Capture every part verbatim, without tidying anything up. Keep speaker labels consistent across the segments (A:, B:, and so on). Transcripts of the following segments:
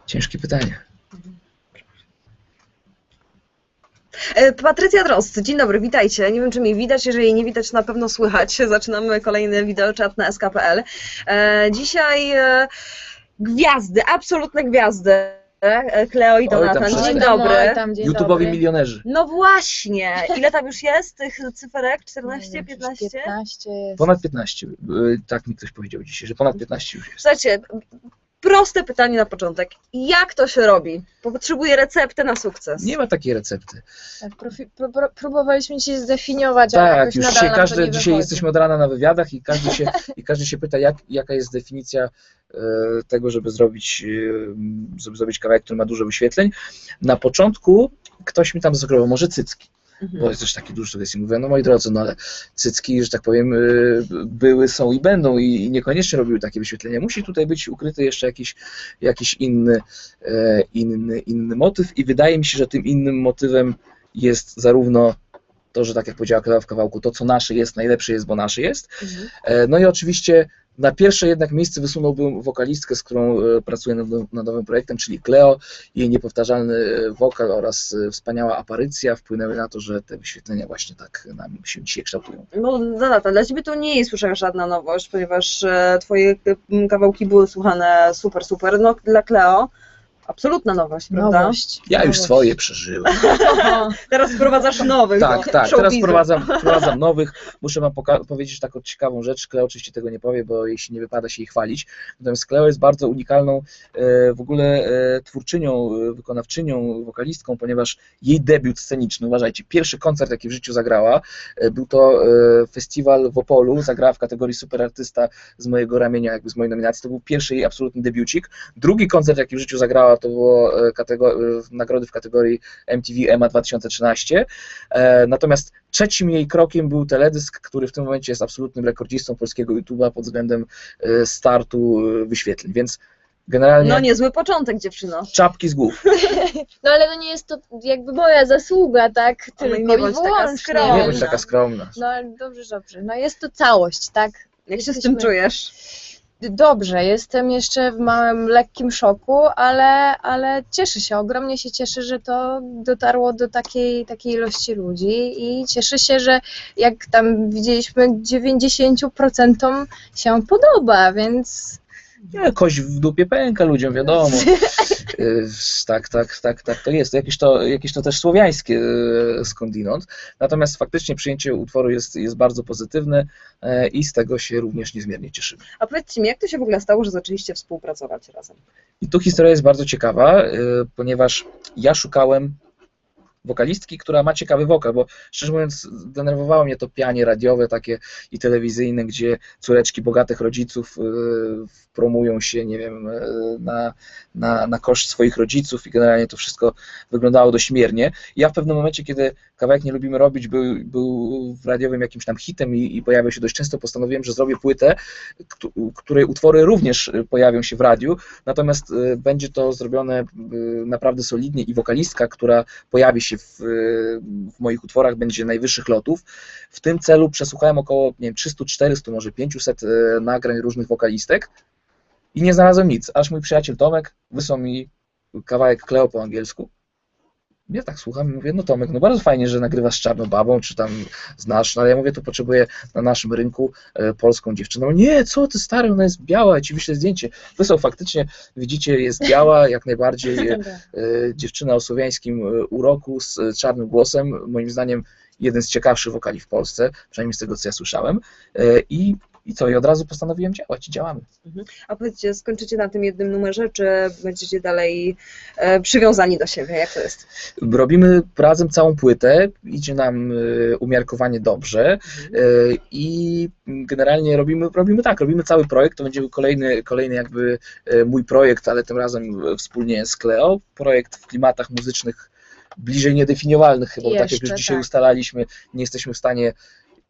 A: Ciężkie pytanie.
B: Patrycja Drozd, dzień dobry, witajcie. Nie wiem, czy mnie widać, jeżeli nie widać, na pewno słychać. Zaczynamy kolejny wideoczat na S K kropka P L. Dzisiaj gwiazdy, absolutne gwiazdy. Kleo i Donatan, dzień dobry.
A: YouTube'owi milionerzy.
B: No właśnie, ile tam już jest tych cyferek? czternaście, piętnaście?
C: piętnaście jest.
A: Ponad piętnaście, tak mi ktoś powiedział dzisiaj, że ponad piętnaście już jest.
B: Słuchajcie, proste pytanie na początek. Jak to się robi? Potrzebuję recepty na sukces.
A: Nie ma takiej recepty.
C: Tak, profi, pró, pró, próbowaliśmy się zdefiniować,
A: ale
C: tak,
A: jakoś już dzisiaj, każdy, dzisiaj
C: wychodzi.
A: jesteśmy od rana na wywiadach i każdy się, i każdy się pyta, jak, jaka jest definicja e, tego, żeby zrobić, e, żeby zrobić kawałek, który ma dużo wyświetleń. Na początku ktoś mi tam zasugerował, może cycki. Mhm. Bo jest też taki duży sugestji. Mówię, no moi drodzy, no ale cycki, że tak powiem, były, są i będą i niekoniecznie robiły takie wyświetlenia. Musi tutaj być ukryty jeszcze jakiś, jakiś inny, inny, inny motyw i wydaje mi się, że tym innym motywem jest zarówno to, że tak jak powiedziała Klea w kawałku, to co nasze jest, najlepsze jest, bo nasze jest. Mhm. No i oczywiście na pierwsze jednak miejsce wysunąłbym wokalistkę, z którą pracuję nad, nad nowym projektem, czyli Kleo. Jej niepowtarzalny wokal oraz wspaniała aparycja wpłynęły na to, że te wyświetlenia właśnie tak nam się dzisiaj kształtują.
B: No Donata, dla Ciebie to nie jest już żadna nowość, ponieważ Twoje kawałki były słuchane super, super. No dla Kleo absolutna nowość, prawda?
C: Nowość.
A: Ja
C: nowość.
A: już swoje przeżyłem.
B: Teraz wprowadzasz nowych.
A: Tak, tak, teraz wprowadzam, wprowadzam nowych. Muszę Wam powiedzieć taką ciekawą rzecz. Kleo oczywiście tego nie powie, bo jeśli nie wypada się jej chwalić. Natomiast Kleo jest bardzo unikalną w ogóle twórczynią, wykonawczynią, wokalistką, ponieważ jej debiut sceniczny, uważajcie, pierwszy koncert, jaki w życiu zagrała, był to festiwal w Opolu, zagrała w kategorii super artysta z mojego ramienia, jakby z mojej nominacji. To był pierwszy jej absolutny debiucik. Drugi koncert, jaki w życiu zagrała, to było nagrody w kategorii M T V E M A dwa tysiące trzynaście. Natomiast trzecim jej krokiem był teledysk, który w tym momencie jest absolutnym rekordzistą polskiego YouTube'a pod względem startu wyświetleń, więc generalnie...
B: No niezły początek, dziewczyno.
A: Czapki z głów.
C: No ale to nie jest to jakby moja zasługa, tak? Tylko
B: nie bądź taka skromna.
A: Nie bądź taka skromna.
C: No dobrze, dobrze. No jest to całość, tak?
B: Jak się z tym czujesz?
C: Dobrze, jestem jeszcze w małym, lekkim szoku, ale, ale cieszę się, ogromnie się cieszę, że to dotarło do takiej, takiej ilości ludzi i cieszę się, że jak tam widzieliśmy, dziewięćdziesięciu procentom się podoba, więc...
A: Nie, kość w dupie pęka ludziom, wiadomo. Tak, tak, tak, tak to jest. Jakieś to, jakieś to też słowiańskie skądinąd. Natomiast faktycznie przyjęcie utworu jest, jest bardzo pozytywne i z tego się również niezmiernie cieszymy.
B: A powiedzcie mi, jak to się w ogóle stało, że zaczęliście współpracować razem?
A: I tu historia jest bardzo ciekawa, ponieważ ja szukałem wokalistki, która ma ciekawy wokal, bo szczerze mówiąc denerwowało mnie to pianie radiowe takie i telewizyjne, gdzie córeczki bogatych rodziców yy, promują się, nie wiem, yy, na, na, na koszt swoich rodziców i generalnie to wszystko wyglądało dość miernie. Ja w pewnym momencie, kiedy kawałek Nie lubimy robić był, był w radiowym jakimś tam hitem i, i pojawiał się dość często, postanowiłem, że zrobię płytę, której utwory również pojawią się w radiu, natomiast yy, będzie to zrobione yy, naprawdę solidnie i wokalistka, która pojawi się W, w moich utworach będzie najwyższych lotów. W tym celu przesłuchałem około nie wiem, trzysta czterysta, może pięćset nagrań różnych wokalistek i nie znalazłem nic, aż mój przyjaciel Tomek wysłał mi kawałek Kleo po angielsku. Ja tak słucham i mówię, no Tomek, no bardzo fajnie, że nagrywasz z Czarną Babą, czy tam znasz, no ale ja mówię, to potrzebuję na naszym rynku e, polską dziewczynę. Nie, co ty stary, ona jest biała, ja ci wyślę zdjęcie. Wysłał faktycznie, widzicie, jest biała, jak najbardziej, e, dziewczyna o słowiańskim uroku z czarnym głosem, moim zdaniem jeden z ciekawszych wokali w Polsce, przynajmniej z tego, co ja słyszałem. E, i I co? I od razu postanowiłem działać i działamy.
B: A powiedzcie, skończycie na tym jednym numerze, czy będziecie dalej e, przywiązani do siebie? Jak to jest?
A: Robimy razem całą płytę, idzie nam e, umiarkowanie dobrze e, i generalnie robimy, robimy tak, robimy cały projekt, to będzie kolejny, kolejny jakby e, mój projekt, ale tym razem wspólnie z Kleo, projekt w klimatach muzycznych bliżej niedefiniowalnych chyba, bo tak jak już dzisiaj
C: tak.
A: ustalaliśmy, nie jesteśmy w stanie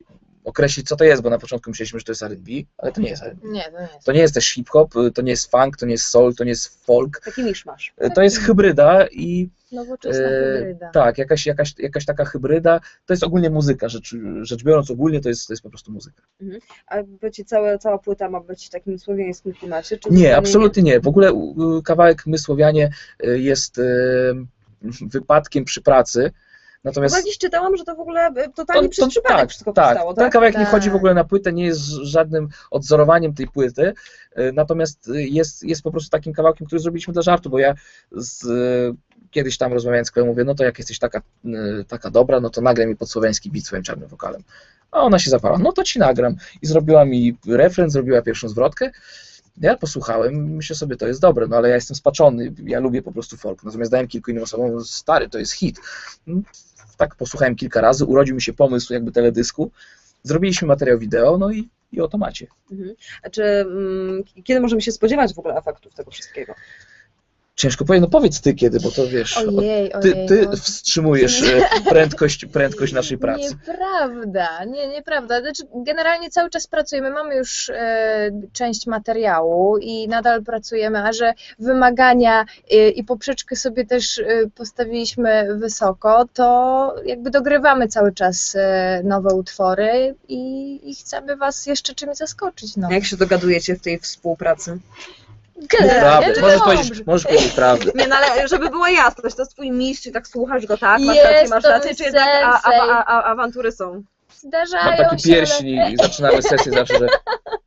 A: określić, co to jest, bo na początku myśleliśmy, że to jest R and B, ale to nie jest R and B.
C: Nie, to nie jest.
A: To nie jest też hip-hop, to nie jest funk, to nie jest soul, to nie jest folk.
B: Taki miszmasz.
A: To jest hybryda i
C: Nowoczesna
A: e,
C: hybryda.
A: tak, jakaś, jakaś, jakaś taka hybryda, to jest ogólnie muzyka, rzecz, rzecz biorąc ogólnie to jest, to jest po prostu muzyka.
B: A będzie całe, cała płyta ma być w takim słowiańskim klimacie? Czy
A: Nie,
B: zupełnie
A: absolutnie nie. W ogóle u- kawałek My Słowianie y, jest y, wypadkiem przy pracy, natomiast
B: Chyba gdzieś czytałam, że to w ogóle e, totalnie przez przypadek
A: tak,
B: wszystko
A: tak,
B: powstało,
A: ten
B: tak?
A: kawałek nie
C: Tak.
A: wchodzi w ogóle na płytę, nie jest żadnym odzorowaniem tej płyty, y, natomiast y, jest, jest po prostu takim kawałkiem, który zrobiliśmy dla żartu, bo ja z, y, kiedyś tam rozmawiając z Kleją mówię, no to jak jesteś taka, y, taka dobra, no to nagraj mi podsłowiański beat swoim czarnym wokalem. A ona się zaparła, no to ci nagram. I zrobiła mi refren, zrobiła pierwszą zwrotkę. Ja posłuchałem, myślę sobie, to jest dobre, no ale ja jestem spaczony, ja lubię po prostu folk. Natomiast dałem kilku innym osobom, stary, to jest hit. No, tak posłuchałem kilka razy, urodził mi się pomysł jakby teledysku, zrobiliśmy materiał wideo, no i, i oto macie.
B: Mhm. A czy mm, kiedy możemy się spodziewać w ogóle efektów tego wszystkiego?
A: Ciężko powiedzieć, no powiedz ty kiedy, bo to wiesz,
C: Ojej,
A: ty,
C: ojej.
A: ty
C: no.
A: wstrzymujesz e, prędkość, prędkość naszej pracy.
C: Nieprawda, nie, nieprawda. Znaczy, generalnie cały czas pracujemy, mamy już e, część materiału i nadal pracujemy, a że wymagania e, i poprzeczkę sobie też e, postawiliśmy wysoko, to jakby dogrywamy cały czas e, nowe utwory i, i chcemy Was jeszcze czymś zaskoczyć. No.
B: Jak się dogadujecie w tej współpracy?
C: Generalnie
A: Prawdę,
C: to
A: możesz
C: dobrze.
A: powiedzieć, możesz powiedzieć prawdę.
B: Nie, no ale żeby była jasność, to jest twój mistrz i tak słuchasz go, tak? Masz
C: Jest
B: rację, masz
C: to
B: rację, czy jednak a, a,
C: sensei.
B: a, a, awantury są?
C: Zdarzają
A: Mam taki
C: się,
A: pierścień
C: ale...
A: i zaczynamy sesję zawsze, że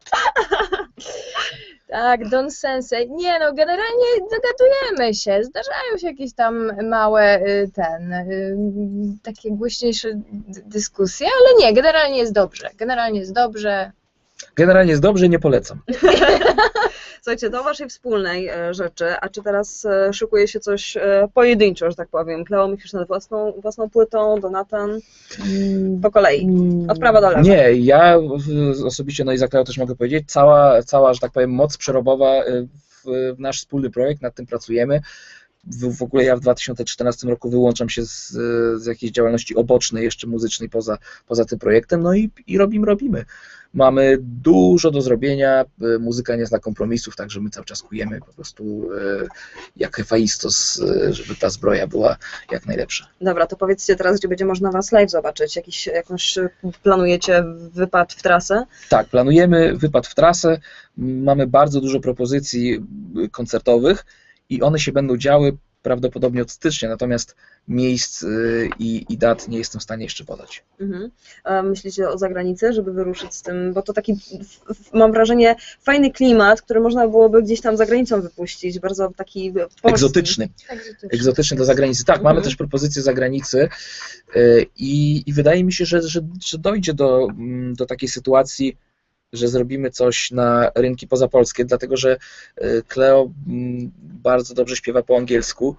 C: Tak, Don Sensei. Nie no, generalnie dogadujemy się. Zdarzają się jakieś tam małe y, ten, y, takie głośniejsze d- dyskusje, ale nie, generalnie jest dobrze. Generalnie jest dobrze.
A: generalnie jest dobrze i nie polecam.
B: Słuchajcie, do waszej wspólnej e, rzeczy, a czy teraz e, szykuje się coś e, pojedynczo, że tak powiem? Kleo, myślisz nad własną, własną płytą, Donatan? Po kolei, od prawa do lewa.
A: Nie, ja w- osobiście, no i za Kleo też mogę powiedzieć, cała, cała, że tak powiem, moc przerobowa y, w, w nasz wspólny projekt, nad tym pracujemy. W, w ogóle ja w dwa tysiące czternastym roku wyłączam się z, z jakiejś działalności obocznej, jeszcze muzycznej poza, poza tym projektem, no i, i robimy, robimy. Mamy dużo do zrobienia, y, muzyka nie zna kompromisów, także my cały czas kujemy po prostu y, jak Hefajstos, y, żeby ta zbroja była jak najlepsza.
B: Dobra, to powiedzcie teraz, gdzie będzie można was live zobaczyć. Jakiś, jakąś e, planujecie wypad w trasę?
A: Tak, planujemy wypad w trasę, m, mamy bardzo dużo propozycji y, koncertowych i one się będą działy prawdopodobnie od stycznia, natomiast miejsc y, i, i dat nie jestem w stanie jeszcze podać.
B: Mhm. A myślicie o zagranicy, żeby wyruszyć z tym, bo to taki, f- f- mam wrażenie, fajny klimat, który można byłoby gdzieś tam za granicą wypuścić, bardzo taki polski.
A: Egzotyczny,
C: Egzotyczne.
A: egzotyczny do zagranicy. Tak,
B: Mhm.
A: mamy też propozycje zagranicy y, i, i wydaje mi się, że, że, że dojdzie do, mm, do takiej sytuacji, że zrobimy coś na rynki pozapolskie, dlatego że y, Kleo mm, bardzo dobrze śpiewa po angielsku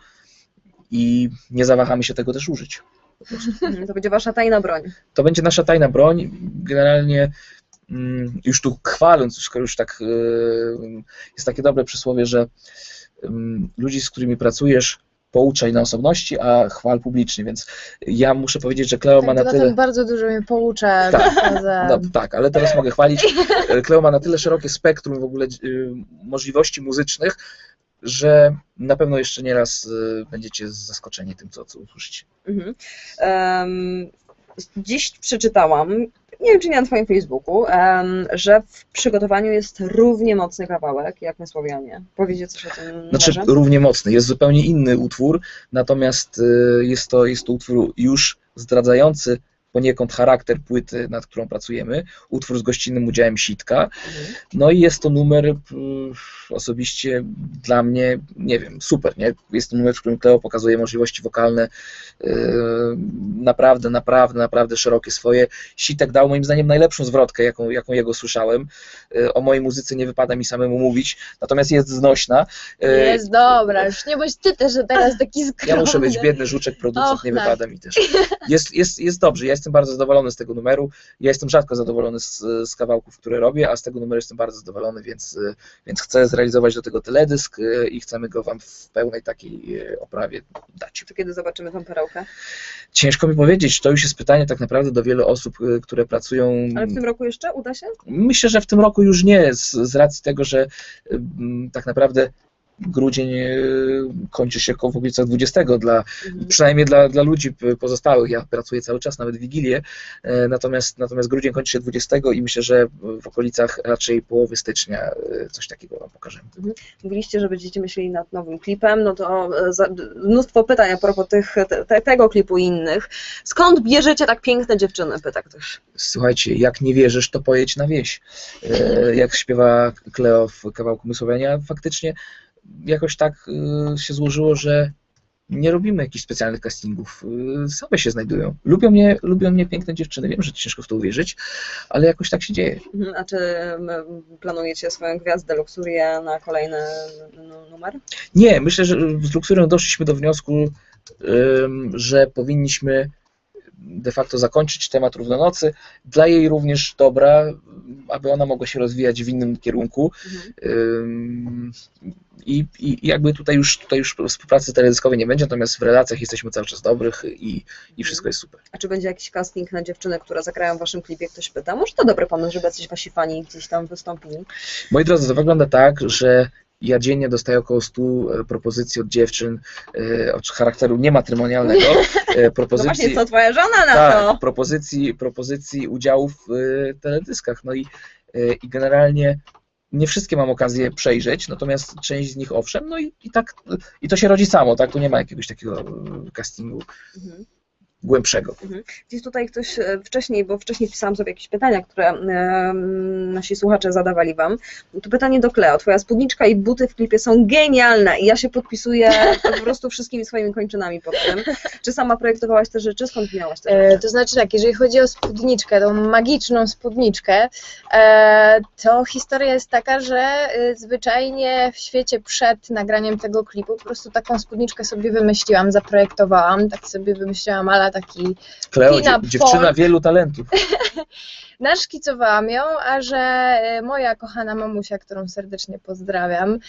A: i nie zawahamy się tego też użyć.
B: Mhm, to będzie wasza tajna broń.
A: To będzie nasza tajna broń. Generalnie mm, już tu chwaląc, skoro już tak y, jest takie dobre przysłowie, że ym, ludzi, z którymi pracujesz, pouczaj na osobności, a chwal publicznie, więc ja muszę powiedzieć, że Kleo ma
C: Tak,
A: na
C: Donatan
A: tyle...
C: bardzo dużo mnie poucza.
A: Tak.
C: Poza...
A: No, tak, ale teraz mogę chwalić. Kleo ma na tyle szerokie spektrum w ogóle y, możliwości muzycznych, że na pewno jeszcze nie raz y, będziecie zaskoczeni tym, co, co usłyszycie.
B: Mhm. Em, dziś przeczytałam, nie wiem czy nie na twoim Facebooku, em, że w przygotowaniu jest równie mocny kawałek jak My Słowianie. Powiecie coś o tym
A: Znaczy
B: może?
A: równie mocny, jest zupełnie inny utwór, natomiast y, jest to, jest to utwór już zdradzający poniekąd charakter płyty, nad którą pracujemy, utwór z gościnnym udziałem Sitka,
B: Mhm.
A: no i jest to numer y, osobiście dla mnie, nie wiem, super, nie? Jest to numer, w którym Kleo pokazuje możliwości wokalne y, naprawdę, naprawdę, naprawdę szerokie swoje. Sitek dał moim zdaniem najlepszą zwrotkę, jaką, jaką jego słyszałem. Y, o mojej muzyce nie wypada mi samemu mówić, natomiast jest znośna. Y,
C: Jest dobra, już nie bądź ty też teraz taki skromny.
A: Ja muszę być biedny żuczek, producent,
C: Och,
A: nie
C: tak.
A: wypada mi też. Jest, jest, jest dobrze, ja jestem bardzo zadowolony z tego numeru. Ja jestem rzadko zadowolony z, z kawałków, które robię, a z tego numeru jestem bardzo zadowolony, więc, więc chcę zrealizować do tego teledysk i chcemy go Wam w pełnej takiej oprawie dać.
B: To kiedy zobaczymy tą perełkę?
A: Ciężko mi powiedzieć, to już jest pytanie tak naprawdę do wielu osób, które pracują.
B: Ale w tym roku jeszcze uda się?
A: Myślę, że w tym roku już nie, z, z racji tego, że m, tak naprawdę grudzień kończy się około w okolicach dwudziestego, dla, mhm. przynajmniej dla, dla ludzi pozostałych. Ja pracuję cały czas, nawet Wigilię, natomiast, natomiast grudzień kończy się dwudziestego i myślę, że w okolicach raczej połowy stycznia coś takiego Wam pokażemy.
B: Mhm. Mówiliście, że będziecie myśleli nad nowym klipem, no to za, mnóstwo pytań a propos tych, te, tego klipu i innych. Skąd bierzecie tak piękne dziewczyny, pyta ktoś.
A: Słuchajcie, jak nie wierzysz, to pojedź na wieś. Jak śpiewa Kleo w kawałku Mysłowienia, faktycznie jakoś tak się złożyło, że nie robimy jakichś specjalnych castingów, same się znajdują. Lubią mnie, lubią mnie piękne dziewczyny, wiem, że ciężko w to uwierzyć, ale jakoś tak się dzieje.
B: A czy planujecie swoją gwiazdę Luxurię na kolejny numer?
A: Nie, myślę, że z Luxurią doszliśmy do wniosku, że powinniśmy de facto zakończyć temat Równonocy, dla jej również dobra, aby ona mogła się rozwijać w innym kierunku. Mhm. I, I jakby tutaj już, tutaj już współpracy teledyskowej nie będzie, natomiast w relacjach jesteśmy cały czas dobrych i, i wszystko jest super.
B: A czy będzie jakiś casting na dziewczyny, które zagrają w Waszym klipie? Ktoś pyta. Może to dobry pomysł, żeby jacyś Wasi fani gdzieś tam wystąpili?
A: Moi drodzy, to wygląda tak, że ja dziennie dostaję około stu propozycji od dziewczyn od charakteru niematrymonialnego. Propozycji,
B: no właśnie, co twoja żona na
A: tak,
B: to?
A: Propozycji, propozycji udziału w teleddyskach. No i, i generalnie nie wszystkie mam okazję przejrzeć, natomiast część z nich owszem, no i, i tak, i to się rodzi samo, tak? Tu nie ma jakiegoś takiego castingu. Mhm. Głębszego.
B: Mhm. Gdzieś tutaj ktoś wcześniej, bo wcześniej pisałam sobie jakieś pytania, które e, nasi słuchacze zadawali Wam. To pytanie do Kleo. Twoja spódniczka i buty w klipie są genialne i ja się podpisuję po prostu wszystkimi swoimi kończynami pod tym. Czy sama projektowałaś te rzeczy? Skąd miałaś te rzeczy?
C: E, to znaczy tak, jeżeli chodzi o spódniczkę, tą magiczną spódniczkę, e, to historia jest taka, że e, zwyczajnie w świecie przed nagraniem tego klipu po prostu taką spódniczkę sobie wymyśliłam, zaprojektowałam, tak sobie wymyśliłam, ale taki
A: Kleo, dziewczyna wielu talentów.
C: Naszkicowałam ją, a że moja kochana mamusia, którą serdecznie pozdrawiam,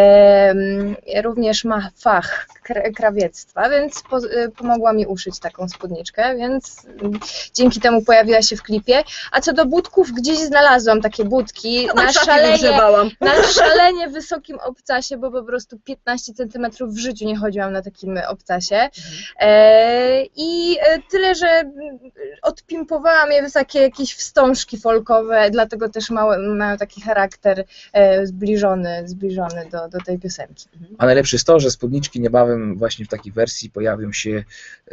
C: e, również ma fach krawiectwa, więc po, pomogła mi uszyć taką spódniczkę, więc dzięki temu pojawiła się w klipie. A co do budków, gdzieś znalazłam takie budki na szalenie, na szalenie wysokim obcasie, bo po prostu piętnaście centymetrów w życiu nie chodziłam na takim obcasie. E, I tyle, że odpimpowałam je w takie jakieś wstążki folkowe, dlatego też mają, mają taki charakter e, zbliżony, zbliżony do, do tej piosenki.
A: A najlepsze jest to, że spódniczki niebawem właśnie w takiej wersji pojawią się e,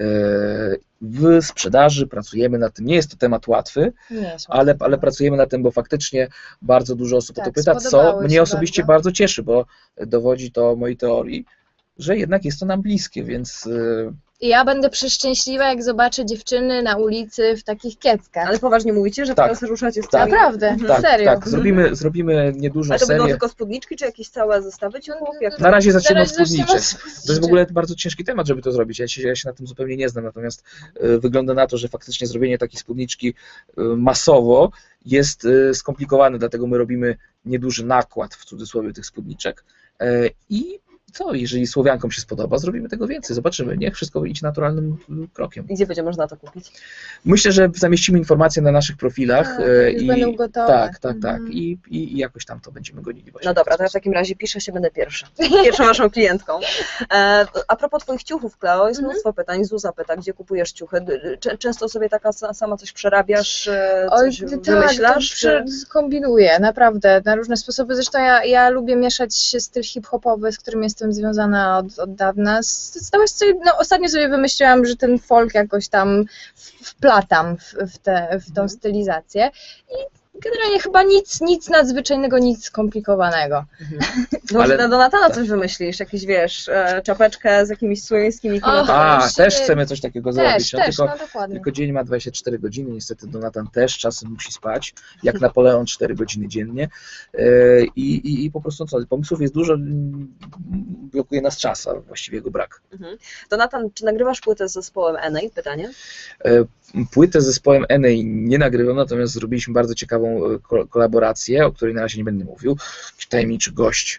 A: w sprzedaży, pracujemy nad tym. Nie jest to temat łatwy, jest ale, ale pracujemy nad tym, bo faktycznie bardzo dużo osób
C: tak,
A: o to pyta, co mnie osobiście bardzo. bardzo cieszy, bo dowodzi to mojej teorii, że jednak jest to nam bliskie, więc... E,
C: I ja będę przeszczęśliwa, jak zobaczę dziewczyny na ulicy w takich kieckach.
B: Ale poważnie mówicie, że tak. teraz ruszacie z
A: tak.
C: Naprawdę,
A: mhm.
C: serio.
A: Tak, tak. Zrobimy, zrobimy niedużą
B: serię. A to
A: serię.
B: będą tylko spódniczki, czy jakieś całe zestawy ciuchów? Jak
A: na razie zaczniemy od spódniczek. To jest w ogóle bardzo ciężki temat, żeby to zrobić. Ja się, ja się na tym zupełnie nie znam, natomiast y, wygląda na to, że faktycznie zrobienie takiej spódniczki y, masowo jest y, skomplikowane, dlatego my robimy nieduży nakład, w cudzysłowie, tych spódniczek y, i co, jeżeli Słowiankom się spodoba, zrobimy tego więcej, zobaczymy, niech wszystko idzie naturalnym krokiem.
B: Gdzie będzie można to kupić?
A: Myślę, że zamieścimy informacje na naszych profilach.
C: A,
A: i
C: będą gotowe.
A: Tak, tak, tak.
C: Mhm.
A: I, i, I jakoś tam to będziemy gonili właśnie.
B: No dobra, to ja w takim razie piszę się, będę pierwsza. Pierwszą waszą klientką. E, a propos twoich ciuchów, Kleo, jest mnóstwo mhm. pytań. Zuza pyta, gdzie kupujesz ciuchy? Często sobie taka sama coś przerabiasz, coś Oj, wymyślasz?
C: Tak, to kombinuję, naprawdę, na różne sposoby. Zresztą ja, ja lubię mieszać styl hip-hopowy, z którym jestem związana od, od dawna. Zdałaś sobie, no, ostatnio sobie wymyśliłam, że ten folk jakoś tam wplatam w, w, te, w tą stylizację i generalnie chyba nic, nic nadzwyczajnego, nic skomplikowanego.
B: Mhm. No ale na Donatana coś wymyślisz, jakiś, wiesz, czapeczkę z jakimiś słowiańskimi
A: kolorami. A, też chcemy coś takiego
C: też,
A: zrobić. No,
C: też,
A: tylko,
C: no, dokładnie.
A: tylko dzień ma dwadzieścia cztery godziny, niestety Donatan też czasem musi spać, jak Napoleon cztery godziny dziennie i, i, i po prostu co, pomysłów jest dużo, blokuje nas czas, a właściwie jego brak.
B: Mhm. Donatan, czy nagrywasz płytę z zespołem N A? Pytanie.
A: Płytę z zespołem Enej nie nagrywam, natomiast zrobiliśmy bardzo ciekawą ko- kolaborację, o której na razie nie będę mówił. Jakiś tajemniczy gość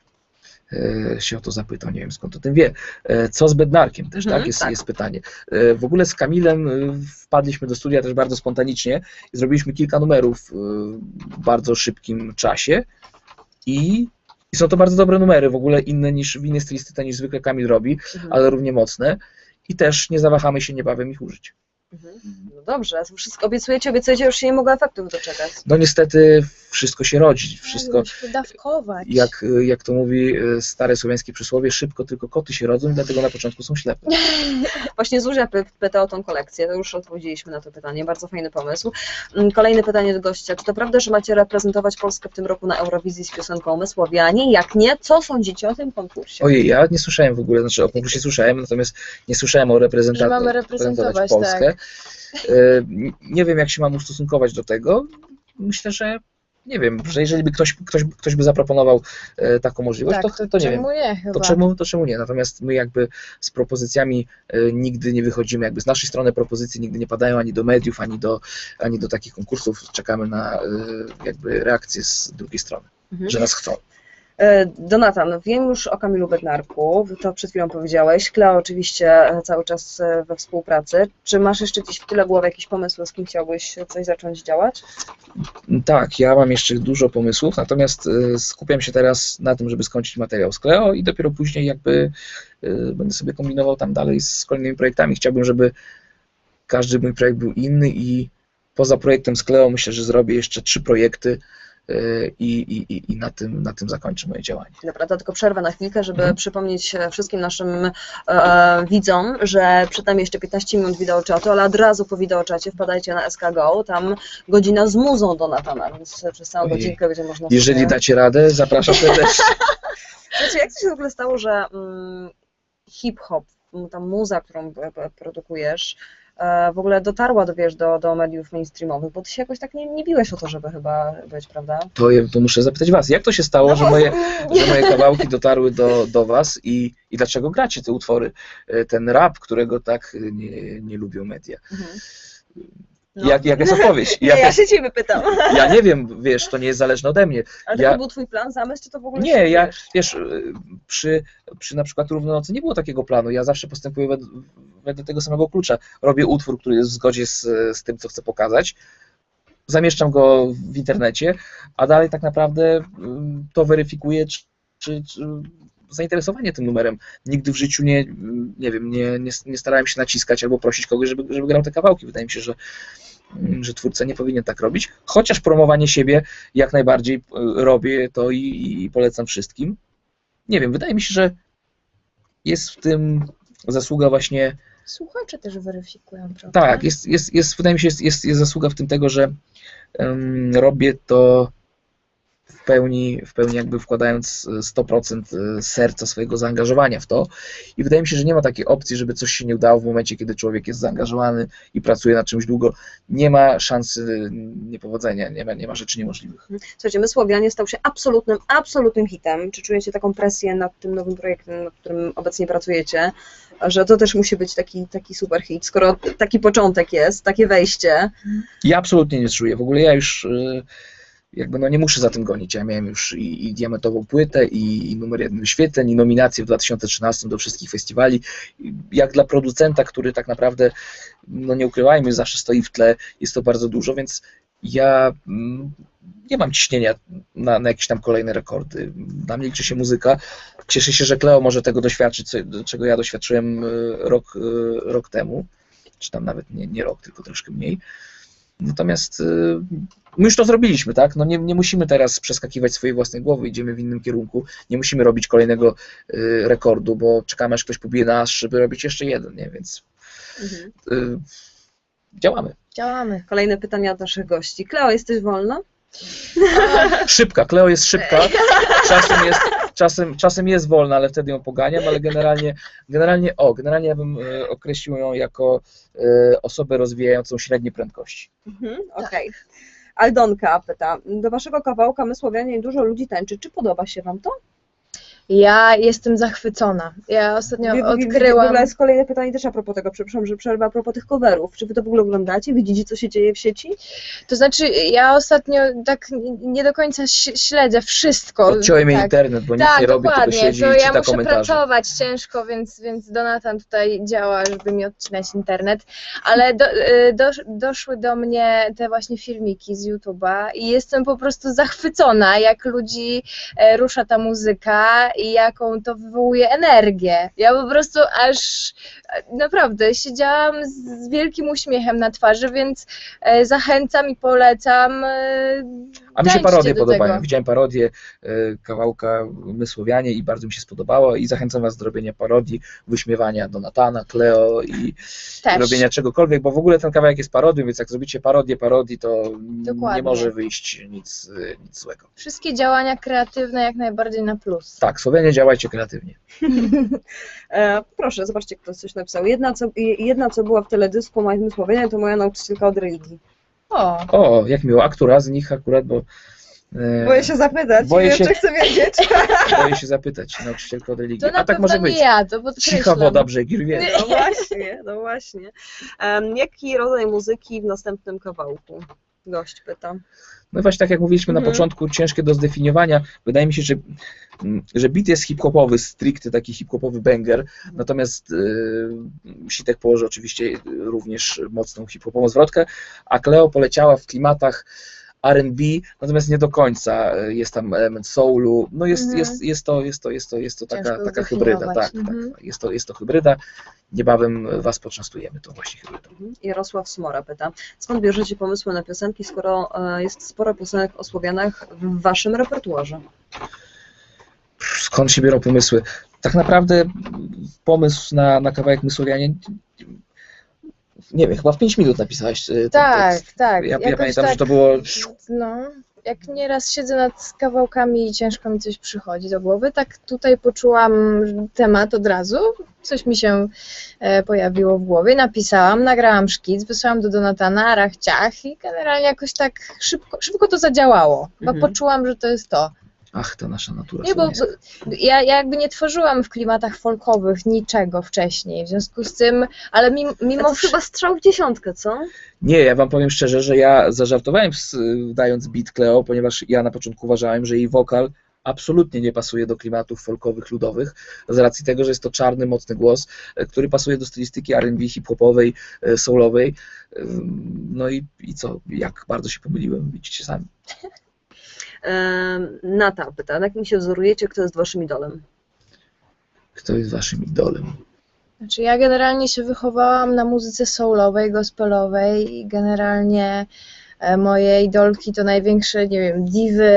A: e, się o to zapytał, nie wiem skąd o tym wie. E, co z Bednarkiem też,
B: Mhm,
A: tak? Jest,
B: tak.
A: jest pytanie. E, w ogóle z Kamilem e, wpadliśmy do studia też bardzo spontanicznie i zrobiliśmy kilka numerów e, w bardzo szybkim czasie i i są to bardzo dobre numery, w ogóle inne niż w innej stylistyce niż zwykle Kamil robi,
B: Mhm.
A: ale równie mocne i też nie zawahamy się niebawem ich użyć.
B: Mhm. No dobrze, wszystko obiecujecie, obiecujecie, już się nie mogę efektów doczekać.
A: No niestety wszystko się rodzi, wszystko,
C: Musimy dawkować.
A: jak, jak to mówi stare słowiańskie przysłowie, szybko tylko koty się rodzą i dlatego na początku są ślepe.
B: Właśnie Zuzia py- pyta o tą kolekcję, to już odpowiedzieliśmy na to pytanie, bardzo fajny pomysł. Mm, Kolejne pytanie do gościa, czy to prawda, że macie reprezentować Polskę w tym roku na Eurowizji z piosenką Mysłowianie? Jak nie, co sądzicie o tym konkursie?
A: Ojej, ja nie słyszałem w ogóle, znaczy o konkursie słyszałem, natomiast nie słyszałem o reprezentacji.
C: Że mamy reprezentować,
A: Polskę.
C: tak.
A: E, Nie wiem, jak się mam ustosunkować do tego. Myślę, że nie wiem, że jeżeli by ktoś, ktoś, ktoś by zaproponował e, taką możliwość,
C: Tak,
A: to, to nie wiem.
C: czemu nie chyba?
A: To czemu, to czemu nie? Natomiast my jakby z propozycjami e, nigdy nie wychodzimy, jakby z naszej strony propozycje nigdy nie padają ani do mediów, ani do, ani do takich konkursów. Czekamy na e, jakby reakcję z drugiej strony,
B: Mhm.
A: że nas chcą.
B: E, Donatan, wiem już o Kamilu Bednarku, to przed chwilą powiedziałeś. Kleo oczywiście e, cały czas e, we współpracy. Czy masz jeszcze gdzieś w tyle głowy jakiś pomysł, z kim chciałbyś coś zacząć działać?
A: Tak, ja mam jeszcze dużo pomysłów, natomiast e, skupiam się teraz na tym, żeby skończyć materiał z Kleo i dopiero później jakby e, będę sobie kombinował tam dalej z kolejnymi projektami. Chciałbym, żeby każdy mój projekt był inny i poza projektem z Kleo myślę, że zrobię jeszcze trzy projekty e, i, i, i- i na tym, na tym zakończę moje działanie.
B: Dobra, to tylko przerwę na chwilkę, żeby
A: Mhm.
B: przypomnieć e, wszystkim naszym e, widzom, że przed nami jeszcze piętnaście minut wideoczatu, ale od razu po wideoczacie wpadajcie na S K Go, tam godzina z muzą Donatana, więc przez całą
A: Ojej.
B: godzinkę będzie można
A: Jeżeli
B: sobie...
A: dacie radę, zapraszam serdecznie.
B: Słuchajcie, jak to się w ogóle stało, że mm, hip-hop, m, ta muza, którą p- p- produkujesz, e, w ogóle dotarła do, wiesz, do, do mediów mainstreamowych, bo ty się jakoś tak nie, nie biłeś o to, żeby chyba być, prawda?
A: To, je- to muszę zapytać was, jak to się stało, że moje, że moje kawałki dotarły do, do was i, i dlaczego gracie te utwory? E, Ten rap, którego tak e, nie, nie lubią media.
B: Mhm. No.
A: Jak, jaka jest odpowiedź?
B: Nie,
A: Jaka
B: ja
A: jest,
B: się ciebie pytam.
A: ja nie wiem, wiesz, to nie jest zależne ode mnie.
B: Ale
A: Ja-
B: to był twój plan, zamysł, czy to w ogóle
A: Nie,
B: się
A: ja,
B: wiesz?
A: wiesz, y, przy, przy na przykład Równonocy nie było takiego planu. Ja zawsze postępuję wed, wedle tego samego klucza. Robię utwór, który jest w zgodzie z, z tym, co chcę pokazać. Zamieszczam go w internecie, a dalej tak naprawdę y, to weryfikuję, czy, czy, czy zainteresowanie tym numerem. Nigdy w życiu nie, nie wiem, nie, nie, nie starałem się naciskać albo prosić kogoś, żeby, żeby grał te kawałki. Wydaje mi się, że że twórca nie powinien tak robić, chociaż promowanie siebie jak najbardziej y, robię to i, i polecam wszystkim. Nie wiem, wydaje mi się, że jest w tym zasługa właśnie,
C: Słuchacze też weryfikują, prawda?
A: tak, jest, jest, jest wydaje mi się, jest, jest, jest zasługa w tym tego, że em, robię to w pełni, w pełni jakby wkładając sto procent serca swojego zaangażowania w to i wydaje mi się, że nie ma takiej opcji, żeby coś się nie udało w momencie, kiedy człowiek jest zaangażowany i pracuje nad czymś długo. Nie ma szansy niepowodzenia, nie ma, nie ma rzeczy niemożliwych.
B: Słuchajcie, Mysłowianie stał się absolutnym, absolutnym hitem. Czy czujecie taką presję nad tym nowym projektem, nad którym obecnie pracujecie, że to też musi być taki, taki super hit, skoro taki początek jest, takie wejście.
A: Ja absolutnie nie czuję. W ogóle ja już y, jakby no nie muszę za tym gonić. Ja miałem już i, i diamentową płytę, i, i numer jeden wyświetleń, i nominacje w dwa tysiące trzynastym do wszystkich festiwali. Jak dla producenta, który tak naprawdę, no nie ukrywajmy, zawsze stoi w tle, jest to bardzo dużo, więc ja mm, nie mam ciśnienia na, na jakieś tam kolejne rekordy. Dla mnie liczy się muzyka. Cieszę się, że Kleo może tego doświadczyć, co, czego ja doświadczyłem y, rok, y, rok temu, czy tam nawet nie, nie rok, tylko troszkę mniej. Natomiast y, my już to zrobiliśmy, tak? No nie, nie musimy teraz przeskakiwać swojej własnej głowy, idziemy w innym kierunku, nie musimy robić kolejnego y, rekordu, bo czekamy, aż ktoś pobije nas, żeby robić jeszcze jeden, nie? Więc
B: Mhm.
A: y, działamy.
C: Działamy.
B: Kolejne pytania od naszych gości. Kleo, jesteś wolna?
A: Szybka, Kleo jest szybka, czasem jest, czasem, czasem jest wolna, ale wtedy ją poganiam, ale generalnie, generalnie o, generalnie ja bym y, określił ją jako y, osobę rozwijającą średnie prędkości.
B: Mhm, okej. Aldonka pyta, do waszego kawałka Mysłowianie dużo ludzi tańczy. Czy podoba się wam to?
C: Ja jestem zachwycona. Ja ostatnio
B: W ogóle
C: odkryłam...
B: jest kolejne pytanie też a propos tego, przepraszam, że przerwa a propos tych coverów. Czy wy to w ogóle oglądacie? Widzicie, co się dzieje w sieci?
C: To znaczy, ja ostatnio tak nie do końca ś- śledzę wszystko.
A: Odciąłem jej
C: tak.
A: internet, bo nic
C: Tak,
A: nie robi, tylko
C: dokładnie.
A: siedzi
C: To
A: i
C: ja
A: czyta
C: muszę
A: komentarze.
C: pracować ciężko, więc, więc Donatan tutaj działa, żeby mi odcinać internet. Ale do, y, dosz, doszły do mnie te właśnie filmiki z YouTube'a i jestem po prostu zachwycona, jak ludzi e, rusza ta muzyka i jaką to wywołuje energię. Ja po prostu aż e, naprawdę siedziałam z, z wielkim uśmiechem na twarzy, więc e, zachęcam i polecam. E,
A: A mi się
C: tańczcie
A: parodie
C: do
A: podobają.
C: tego.
A: Widziałem parodię e, kawałka My Słowianie i bardzo mi się spodobało i zachęcam was do robienia parodii, wyśmiewania Donatana, Cleo i,
C: Też.
A: i robienia czegokolwiek, bo w ogóle ten kawałek jest parodią, więc jak zrobicie parodię parodii, to
C: Dokładnie.
A: nie może wyjść nic, e, nic złego.
C: Wszystkie działania kreatywne jak najbardziej na plus.
A: Tak, Słowianie, działajcie kreatywnie.
B: E, proszę, zobaczcie, kto coś napisał. Jedna co, jedna, co była w teledysku moim Słowianie, to moja nauczycielka od religii.
C: O,
A: O, jak miło. A która z nich akurat, bo e,
B: Boję się zapytać,
A: Boję
B: jeszcze
A: się-
B: chcę wiedzieć.
A: boję się zapytać nauczycielkę od religii.
C: to na
A: A tak
C: pewno
A: może
C: nie
A: być.
C: ja, to podkreślam.
A: Cicha woda brzegi rwie.
B: No właśnie, no właśnie. Um, jaki rodzaj muzyki w następnym kawałku? Gość pyta.
A: No właśnie tak jak mówiliśmy na
B: Mhm.
A: początku, ciężkie do zdefiniowania. Wydaje mi się, że, mm, że beat jest hip-hopowy, stricte taki hip-hopowy banger, natomiast yy, Sitek położy oczywiście również mocną hip-hopową zwrotkę, a Cleo poleciała w klimatach R and B, natomiast nie do końca. Jest tam element soulu, no jest,
C: Mhm.
A: jest, jest to, jest to, jest to, jest to taka,
C: Ciężko
A: taka hybryda,
C: zdefiniować.
A: tak,
C: Mhm.
A: tak, jest to, jest to hybryda. Niebawem was poczęstujemy tą właśnie hybrydą.
B: Jarosław Smora pyta. Skąd bierzecie pomysły na piosenki, skoro e, jest sporo piosenek o Słowianach w waszym repertuarze?
A: Skąd się biorą pomysły? Tak naprawdę pomysł na, na kawałek My Słowianie, nie wiem, chyba w pięć minut napisałeś ten
C: Tak,
A: tekst.
C: tak.
A: Ja, ja
C: jakoś
A: pamiętam,
C: tak,
A: że to było...
C: No, jak nieraz siedzę nad kawałkami i ciężko mi coś przychodzi do głowy, tak tutaj poczułam temat od razu, coś mi się e, pojawiło w głowie, napisałam, nagrałam szkic, wysłałam do Donatana, rach, ciach i generalnie jakoś tak szybko, szybko to zadziałało, bo
B: Mhm.
C: poczułam, że to jest to.
A: Ach, ta nasza natura
C: Nie, bo
A: słowiańska.
C: bo ja, ja jakby nie tworzyłam w klimatach folkowych niczego wcześniej, w związku z tym, ale mimo,
B: A
C: mimo
B: to jest chyba strzał w dziesiątkę, co?
A: Nie, ja wam powiem szczerze, że ja zażartowałem z, dając beat Cleo, ponieważ ja na początku uważałem, że jej wokal absolutnie nie pasuje do klimatów folkowych, ludowych, z racji tego, że jest to czarny, mocny głos, e, który pasuje do stylistyki R and B, hip-hopowej, e, soulowej. Ym, No i, i co, jak bardzo się pomyliłem, widzicie sami.
B: Em, Nata pyta, na kim się wzorujecie, kto jest waszym idolem?
A: Kto jest waszym idolem?
C: Znaczy ja generalnie się wychowałam na muzyce soulowej, gospelowej i generalnie e, moje idolki to największe, nie wiem, diwy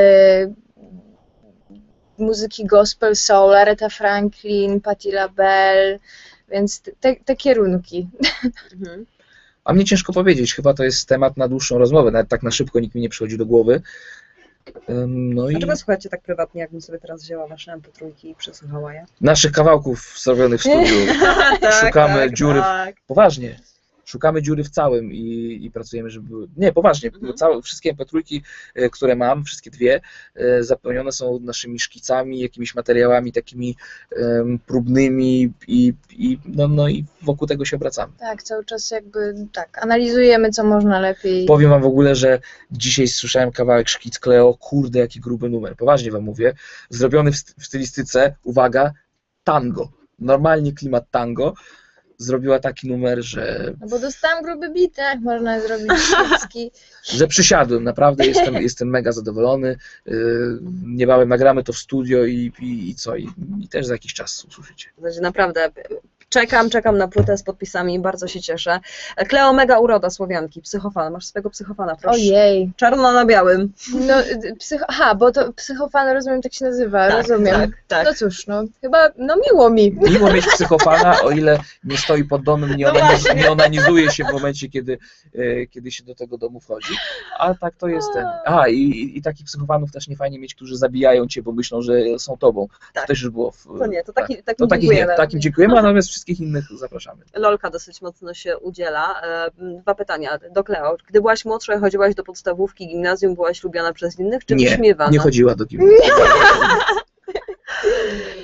C: muzyki gospel, soul, Aretha Franklin, Patti LaBelle, więc te, te kierunki.
B: Mhm.
A: A mnie ciężko powiedzieć, chyba to jest temat na dłuższą rozmowę, nawet tak na szybko nikt mi nie przychodzi do głowy. Ym, No i
B: Dlaczego słuchacie tak prywatnie, jakbym sobie teraz wzięła wasze em pe trzy i przesłuchała je?
A: naszych kawałków zrobionych w studiu. Szukamy dziury w-
B: tak.
A: Poważnie. Szukamy dziury w całym i, i pracujemy, żeby były... Nie, poważnie.
B: Mhm.
A: Całe, wszystkie em pe trzy, e, które mam, wszystkie dwie, e, zapełnione są naszymi szkicami, jakimiś materiałami takimi em, próbnymi i, i, no, no i wokół tego się obracamy.
C: Tak, cały czas jakby tak, analizujemy co można lepiej.
A: Powiem wam w ogóle, że dzisiaj słyszałem kawałek szkic Cleo, kurde jaki gruby numer, poważnie wam mówię, zrobiony w, st- w stylistyce, uwaga, tango, normalnie klimat tango, zrobiła taki numer, że,
C: No bo dostałam gruby bit, jak można zrobić szybki.
A: że przysiadłem, naprawdę jestem, jestem mega zadowolony, yy, niebawem nagramy to w studio i, i, i co, i, i też za jakiś czas usłyszycie.
B: Znaczy, naprawdę, czekam, czekam na płytę z podpisami, bardzo się cieszę. Kleo, mega uroda Słowianki, psychofan, masz swojego psychofana, proszę.
C: Ojej.
B: Czarno na białym.
C: No, y, psycho, aha, bo to psychofan, rozumiem, tak się nazywa,
B: Tak,
C: rozumiem.
B: tak, tak.
C: No cóż, no, chyba, no miło mi.
A: Miło mieć psychofana, o ile nie stoi pod domem, nie,
B: No
A: onaniz,
B: właśnie.
A: nie onanizuje się w momencie, kiedy, e, kiedy się do tego domu wchodzi. A tak to jest ten. A, i, i, i takich psychofanów też nie fajnie mieć, którzy zabijają cię, bo myślą, że są tobą.
B: Tak.
A: To też już było w,
B: To nie, to taki,
A: tak.
B: takim
A: To takich
B: dziękujemy.
A: nie, takim dziękujemy, a natomiast wszystkich innych zapraszamy.
B: Lolka dosyć mocno się udziela. E, Dwa pytania do Kleo. Gdy byłaś młodsza i chodziłaś do podstawówki, gimnazjum, byłaś lubiana przez innych, czy
A: Nie,
B: wyśmiewana?
A: nie chodziła do kim.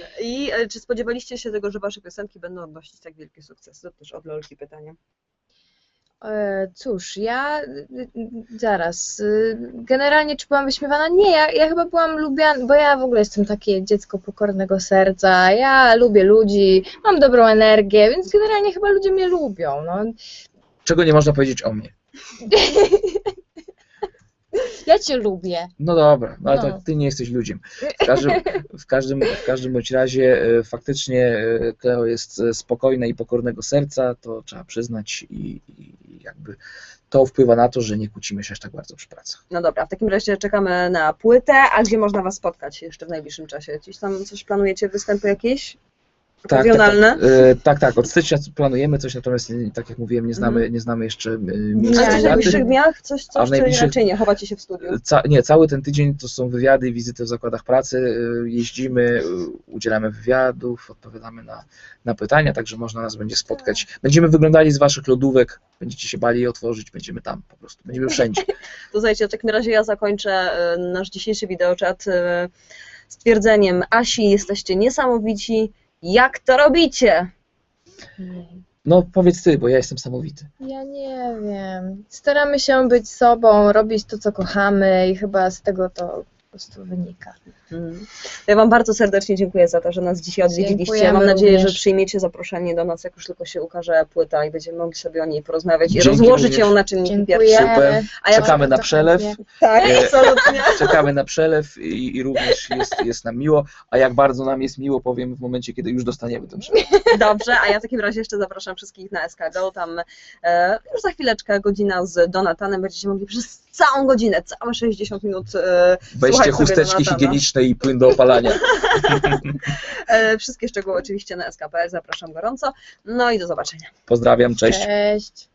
B: I e, czy spodziewaliście się tego, że wasze piosenki będą odnosić tak wielkie sukcesy? To też od Lolki pytanie.
C: E, Cóż, ja y, y, zaraz. y, Generalnie czy byłam wyśmiewana? Nie, ja, ja chyba byłam lubiana, bo ja w ogóle jestem takie dziecko pokornego serca. Ja lubię ludzi, mam dobrą energię, więc generalnie chyba ludzie mnie lubią. No.
A: Czego nie można powiedzieć o mnie?
C: Ja cię lubię.
A: No dobra, no ale
C: No.
A: to ty nie jesteś ludziem. W każdym, w każdym, w każdym bądź razie e, faktycznie e, Kleo jest e, spokojna i pokornego serca, to trzeba przyznać i, i jakby to wpływa na to, że nie kłócimy się aż tak bardzo przy pracach.
B: No dobra, w takim razie czekamy na płytę, a gdzie można was spotkać jeszcze w najbliższym czasie? Gdzieś tam coś planujecie, występy jakieś?
A: Tak, tak,
B: Okazjonalne?
A: tak, e, tak, tak, od stycznia planujemy coś, natomiast nie- tak jak mówiłem, nie znamy,
B: Mhm.
A: nie znamy jeszcze e,
B: A
A: miejsca
B: coś w
C: Nie,
A: daty.
B: najbliższych dniach? Coś,
A: A
B: coś
A: w
B: czy
A: najbliższych-
B: raczej nie? Chowacie się w studiu?
A: Ca nie, cały ten tydzień to są wywiady i wizyty w zakładach pracy, y, jeździmy, y, udzielamy wywiadów, odpowiadamy na, na pytania, także można nas będzie spotkać. Będziemy wyglądali z waszych lodówek, będziecie się bali je otworzyć, będziemy tam po prostu, będziemy wszędzie.
B: To słuchajcie, w takim razie ja zakończę e, nasz dzisiejszy wideoczat e, stwierdzeniem: Asi, jesteście niesamowici, jak to robicie?
A: No powiedz ty, bo ja jestem samowity.
C: Ja nie wiem. Staramy się być sobą, robić to, co kochamy i chyba z tego to po prostu wynika.
B: Mhm. Ja wam bardzo serdecznie dziękuję za to, że nas dzisiaj odwiedziliście.
C: Dziękujemy
B: Mam nadzieję,
C: również.
B: że przyjmiecie zaproszenie do nas, jak już tylko się ukaże płyta i będziemy mogli sobie o niej porozmawiać i
A: Dzięki
B: rozłożyć
A: również.
B: ją na czynniki pierwsze.
C: Dziękujemy.
A: Super.
B: A ja
A: Czekamy na
C: bardzo
A: przelew.
C: chętnie.
B: Tak,
A: E,
B: absolutnie.
A: Czekamy na przelew i, i również jest, jest nam miło, a jak bardzo nam jest miło, powiem w momencie, kiedy już dostaniemy ten przelew.
B: Dobrze, a ja w takim razie jeszcze zapraszam wszystkich na S K Go. Tam e, już za chwileczkę godzina z Donatanem. Będziecie mogli przez całą godzinę, całe sześćdziesiąt minut e,
A: Weźcie
B: słuchać sobie
A: chusteczki
B: Donatana.
A: higieniczne i płyn do opalania.
B: E, wszystkie szczegóły oczywiście na S K kropka P L. Zapraszam gorąco. No i do zobaczenia.
A: Pozdrawiam, cześć.
C: Cześć.